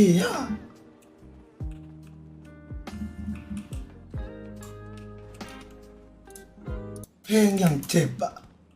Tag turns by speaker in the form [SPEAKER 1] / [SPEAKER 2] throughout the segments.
[SPEAKER 1] อะเพลงอย่างเจ็บอะ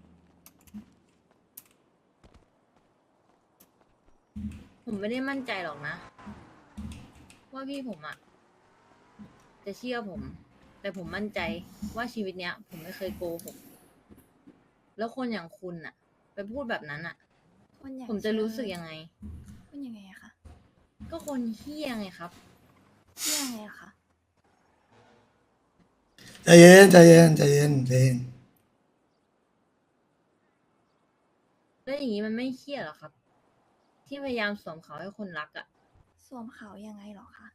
[SPEAKER 2] ผมไม่ได้มั่นใจหรอกนะ ว่าพี่ผมอะจะเชื่อผม แต่ผมมั่นใจว่าชีวิตเนี้ย ผมไม่เคยโกหกแล้วคนอย่างคุณอะไปพูดแบบนั้นอะ
[SPEAKER 3] คนอย่าง
[SPEAKER 2] ผมจะรู้สึกยังไง
[SPEAKER 3] คนยังไงอะคะ
[SPEAKER 2] ก็คนเฮี้ยไงครับ
[SPEAKER 3] เที่ยงไงอะคะ
[SPEAKER 1] ใจเย็นใจเย็นใจเย็นใจเย็น
[SPEAKER 2] แล้วอย่างนี้มันไม่เฮี้ยหรอครับ ที่พยายามสวมเขาให้คนรักอะ
[SPEAKER 3] สวมเขายังไงเหรอคะ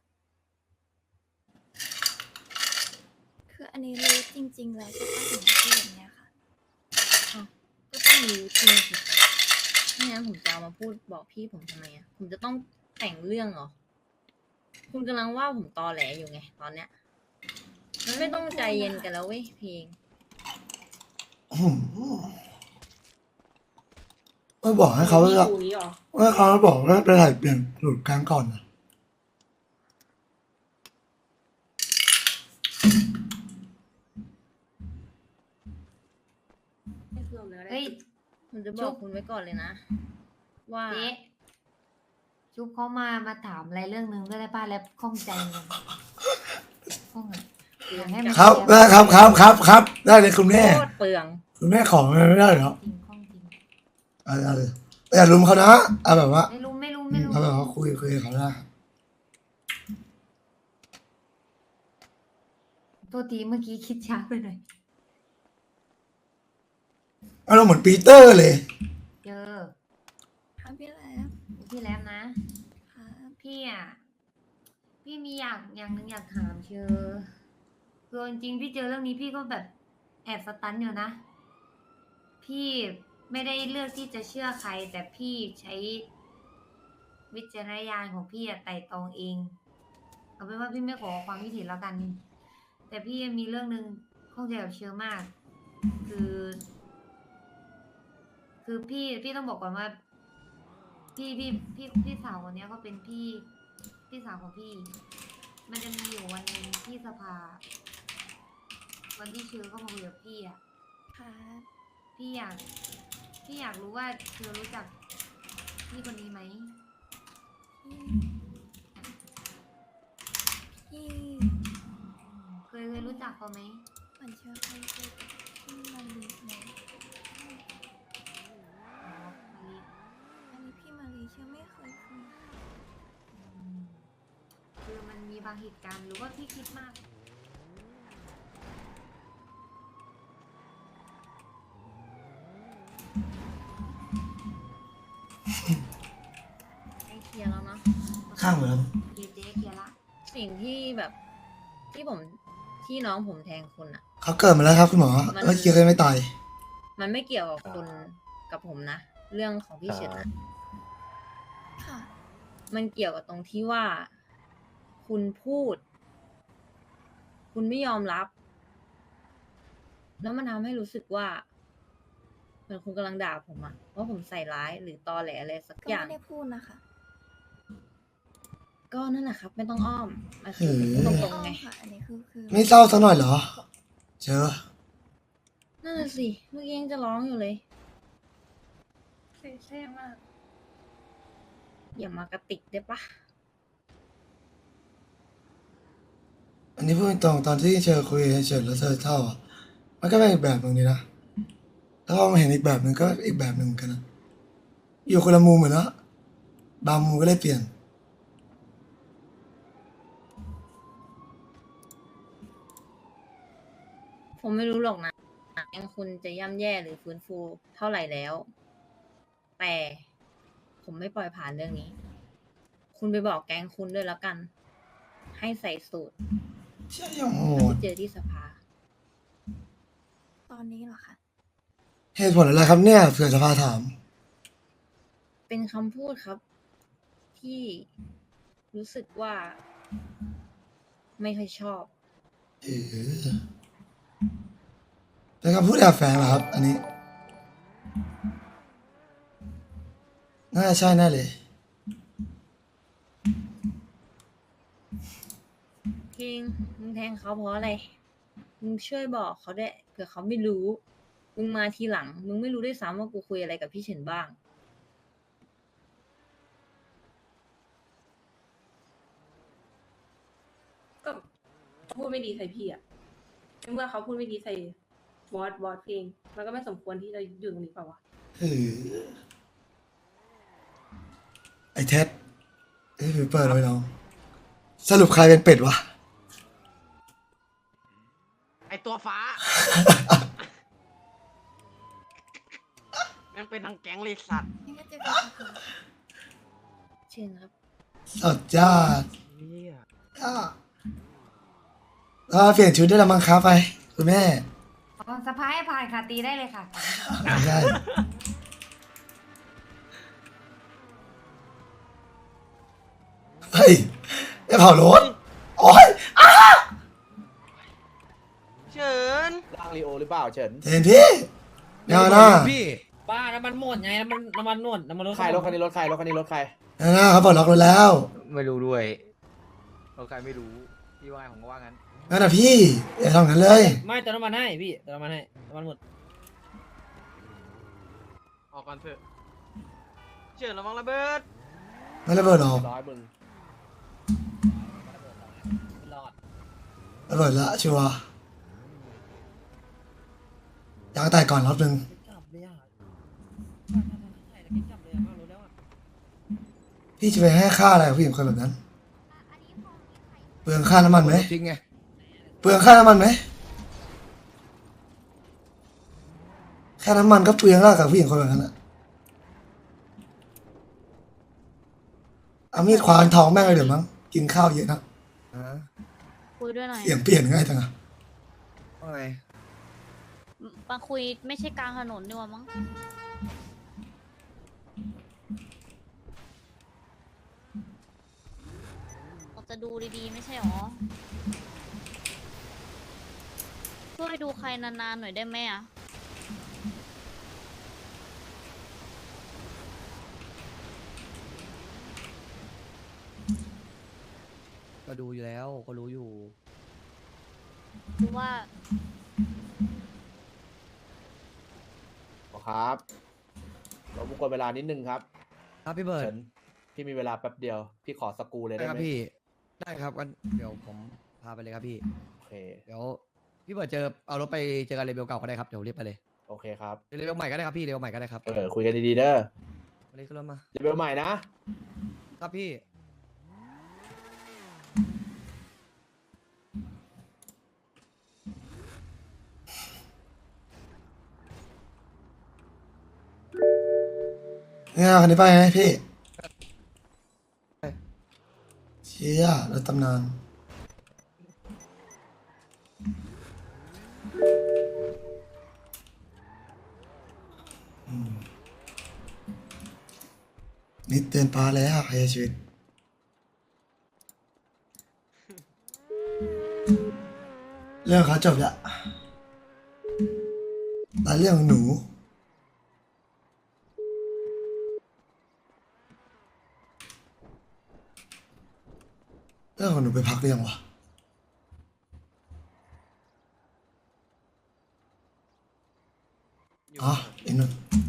[SPEAKER 3] คืออันนี้รู้จริง ๆ แล้วใช่ปะถึงพูดแบบเนี้ยค่ะ
[SPEAKER 2] อ้าวก็ต้องรู้จริงสิครับไม่งั้นผมจะเอามาพูดบอกพี่ผมทำไมอะผมจะต้องแต่งเรื่องเหรอ คุณกำลังว่าผมตอแหลอยู่ไงตอนเนี้ย มันไม่ต้องใจเย็นกันแล้วเว้ยเพลง
[SPEAKER 1] ไม่บอกให้เขาจะว่าเขาบอกว่าไปถ่ายเปลี่ยนหลุดกลางก่อนนะ
[SPEAKER 4] เฮ้ย
[SPEAKER 2] ผมจะบ
[SPEAKER 4] ชุ
[SPEAKER 2] อก
[SPEAKER 4] บ
[SPEAKER 2] คุณไว้ก่อนเลยนะ ว่า
[SPEAKER 4] เจ๊ชุบเขามาถามอะไรเรื่องนึงด้วยได้ป่ะแล้วข้องใจมันข้องอ่ะอยากให้มัน
[SPEAKER 1] ครับ
[SPEAKER 4] เคลี
[SPEAKER 1] ได้
[SPEAKER 4] ยร์
[SPEAKER 1] ครับได้เลยคุณแม่
[SPEAKER 2] โคตรเปลือง
[SPEAKER 1] คุณแม่ขอไม่ได้เหรอ
[SPEAKER 4] จริงข้องจริง
[SPEAKER 1] เอาเลยอย่าลุมเขานะเอาแบบว่า
[SPEAKER 4] ไม่รู้
[SPEAKER 1] เอาแบบว่าคุยกับเขาได้
[SPEAKER 4] โทษทีเมื่อกี้คิดช้าไปหน่อย
[SPEAKER 1] เอาเราเหมือนปีเตอร์เลย
[SPEAKER 4] เจอ
[SPEAKER 3] ค่ะพี่แลบ
[SPEAKER 4] พี่แล้วนะ
[SPEAKER 3] ค่ะ
[SPEAKER 4] พี่อ่ะ พี่มีอย่างหนึ่งอยากถามเชอคือจริงๆพี่เจอเรื่องนี้พี่ก็แบบแอบสตันอยู่นะ พี่ไม่ได้เลือกที่จะเชื่อใคร แต่พี่ใช้วิจารณญาณของพี่อะไต่ตรองเอง เอาเป็นว่าพี่ไม่ขอความคิดเห็นแล้วกัน แต่พี่มีเรื่องหนึ่งข้องใจกับเชอมาก คือ คือพี่ต้องบอกก่อนว่า พี่สาวคนเนี้ยเขาเป็นพี่สาวของพี่ มันจะมีอยู่วันหนึ่งที่สภา วันที่เชอเข้ามาคุยกับพี่อ่ะ
[SPEAKER 3] ค่ะ
[SPEAKER 4] พี่อยากรู้ว่าเธอรู้จักพี่คนนี้ไหม
[SPEAKER 3] พี่
[SPEAKER 4] เคยรู้จักเขาไหม
[SPEAKER 3] เหมือนเชื่อใครเจอพี่มารีไหม
[SPEAKER 4] อ๋อมารี
[SPEAKER 3] อันนี้พี่มารีเชื่อไม่เคยคุย
[SPEAKER 4] คือมันมีบางเหตุการณ์หรือว่าพี่คิดมาก
[SPEAKER 2] ไม่เคลียร์แล้วเนาะ
[SPEAKER 1] ข้างเหมือนกัน
[SPEAKER 4] เจ๊เคลียร์ละ
[SPEAKER 2] สิ่งที่แบบที่น้องผมแทงคุณอะ
[SPEAKER 1] เขาเกิดมาแล้วครับคุณหมอเมื่อกี้เขายังไม่ตาย
[SPEAKER 2] มันไม่เกี่ยวกับคุณกับผมนะ เรื่องของพี่เฉินนะ
[SPEAKER 3] ค่ะ
[SPEAKER 2] มันเกี่ยวกับตรงที่ว่า คุณพูด คุณไม่ยอมรับ แล้วมันทำให้รู้สึกว่าเหมือนคุณกำลังด่าผมอะว่าผมใส่ร้ายหรือตอแหลอะไรสัก
[SPEAKER 3] ก็
[SPEAKER 2] อย่าง
[SPEAKER 3] ไม่ได้พูดนะคะ
[SPEAKER 2] ก็นั่นแหละครับ ไม่ต้องอ้อมมันคือผมพูดตรง
[SPEAKER 3] อ้อ
[SPEAKER 2] ๆไง
[SPEAKER 3] มค่ะ อันนี้คือ
[SPEAKER 1] ไม่เศร้าสักหน่อยเหรอ เจอ
[SPEAKER 2] นั่นน่ะสิเมื่อกี้ยังจะร้องอยู่เลย
[SPEAKER 5] เสียใจมาก
[SPEAKER 2] อย่ามากระติกได้ปะ
[SPEAKER 1] อันนี้พูดตรงตอนที่เจอคุยเฉยแล้วเธอเศร้าอะมันก็เป็นอีกแบบหนึ่งดีนะแล้วพอมาเห็นอีกแบบหนึ่งก็อีกแบบหนึ่งเหมือนกันนะอยู่คนละมุมเหมือนนะบางมุมก็เลยเปลี่ยน
[SPEAKER 2] ผมไม่รู้หรอกนะยังคุณจะย่ำแย่หรือฟื้นฟูเท่าไหร่แล้ว แต่ผมไม่ปล่อยผ่านเรื่องนี้ คุณไปบอกแก๊งคุณด้วยแล้วกัน ให้ใส่สูตร
[SPEAKER 1] เชี่ยยังโห
[SPEAKER 2] แล้ว
[SPEAKER 1] ด
[SPEAKER 2] ไปเจอที่สภา
[SPEAKER 3] ตอนนี้เหรอคะ
[SPEAKER 1] เหตุผลอะไรครับเนี่ยเผื่อจะพาถาม
[SPEAKER 2] เป็นคำพูดครับ ที่รู้สึกว่า ไม่ค่อยชอบ
[SPEAKER 1] เออเป็นคำพูดแอบแฝงเหรอครับ อันนี้ น่าจะใช่แน่เลย
[SPEAKER 2] คิงมึงแทงเขาเพราะอะไร มึงช่วยบอกเขาด้วยเผื่อเขาไม่รู้ มึงมาทีหลัง มึงไม่รู้ด้วยซ้ำว่ากูคุยอะไรกับพี่เฉินบ้าง
[SPEAKER 5] ก็พูดไม่ดีใส่พี่อะเมื่อเขาพูดไม่ดีใส่บอสเอง มันก็ไม่สมควรที่จะอยู่ตรงนี้เปล่าวะ
[SPEAKER 1] เออไอ้เท็ดไอ้เปิดไว้น้องสรุปใครเป็นเป็ดวะ
[SPEAKER 6] ไอตัวฟ้า แม่งเป็นทั้งแก๊งเลยสัตว์
[SPEAKER 3] นี่ก็เจอกันค่ะ
[SPEAKER 2] เชิญครับ
[SPEAKER 1] สดจ้า
[SPEAKER 6] เหี้ย
[SPEAKER 1] เปลี่ยนชุดได้แล้วมั้งครับไปคุณแม่
[SPEAKER 4] อ๋อสะพายผ่านค่ะตีได้เลยค่ะ
[SPEAKER 1] ไม่ใช่เฮ้ยไอ้เผารถโอ้ย
[SPEAKER 6] เฉิน
[SPEAKER 7] ร่างลีโอหรือเปล่าเฉิน
[SPEAKER 1] เห็นพี่เงาหน้า
[SPEAKER 8] พี่ป้าน้ำมันหมดไงน้ำมันนวดน้ำมันรถ
[SPEAKER 7] ใครรถคันนี้รถใครรถคันนี้รถใคร
[SPEAKER 1] เงาหน้าเขาปลดล็อกรถแล้ว
[SPEAKER 9] ไม่รู้ด้วยเราใครไม่รู้ พี่ว่าไงผมก็ว่างั้น
[SPEAKER 1] งั้นนะพี่อย่าทำงั้นเลย
[SPEAKER 8] ไม่เติมน้ำมันให้พี่เติมน้ำมันให้น้ำมันหมด
[SPEAKER 6] ออกก่อนเถอะเฉินระวังระเบิด
[SPEAKER 1] ไม่ระเบิดหรอก
[SPEAKER 7] ร้อยมึง
[SPEAKER 8] รอด
[SPEAKER 1] ระเบิดละชัวร์ยางแตกก่อนรถหนึ่ง
[SPEAKER 8] จับเลยอ่ะใช่แล้วจับเลยอ่ะรู้แล้วอ่ะ
[SPEAKER 1] พี่จะไปให้ค่าอะไรกับผู้หญิงคนแบบนั้น เปลืองค่าน้ำมันไหม
[SPEAKER 9] จริงไง
[SPEAKER 1] เปลืองค่าน้ำมันไหมค่าน้ำมันก็เปลืองแล้วกับผู้หญิงคนแบบนั้นอะเอามีดควานท้องแม่งเลยเดี๋ยวมั้งกินข้าวเยอะนะ
[SPEAKER 10] คุยด้วยหน่อย
[SPEAKER 1] เสียงเปลี่ยนง่ายจังอะ
[SPEAKER 9] ว่าไง
[SPEAKER 10] มาคุยไม่ใช่กลางถนนดีกว่ามั้งเราจะดูดีๆ ไม่ใช่หรอ ช่วยดูใครนานๆหน่อยได้ไหมอ่ะ
[SPEAKER 9] ก็ดูอยู่แล้วก็รู้อยู่
[SPEAKER 10] คือว่า
[SPEAKER 7] ครับเราบุกวนเวลานิดนึงครับ
[SPEAKER 9] ครับพี่เบิร์ด
[SPEAKER 7] เฉินพี่มีเวลาแป๊บเดียว พี่ขอสกรูเลย
[SPEAKER 9] ได้
[SPEAKER 7] ได้
[SPEAKER 9] ครับ
[SPEAKER 7] ไหม
[SPEAKER 9] พี่ ได้ครับงั้นเดี๋ยวผมพาไปเลยครับพี่
[SPEAKER 7] โอเค
[SPEAKER 9] เดี๋ยวพี่เบิร์ดเอารถไปเจอกันเลเวลเก่าก็ได้ครับ เดี๋ยวรีบไปเลย
[SPEAKER 7] โอเคครับ
[SPEAKER 9] เลเวลใหม่ก็ได้ครับพี่เลเวลใหม่ก็ได้ครับ
[SPEAKER 7] คุยกันดีๆเด้อ
[SPEAKER 9] มาเลยขึ้นรถมา
[SPEAKER 7] เลเวลใหม่นะ
[SPEAKER 9] ครับพี่
[SPEAKER 1] เนี่ยคันนี้ไปไงพี่เชี่ยรถตำนานนิดเตือนปลาแล้วพยาชีวิตเรื่องเขาจบละแต่เรื่องของหนูเรื่องของหนูไปพักหรือยังวะอ๋ออีกหนึ่ง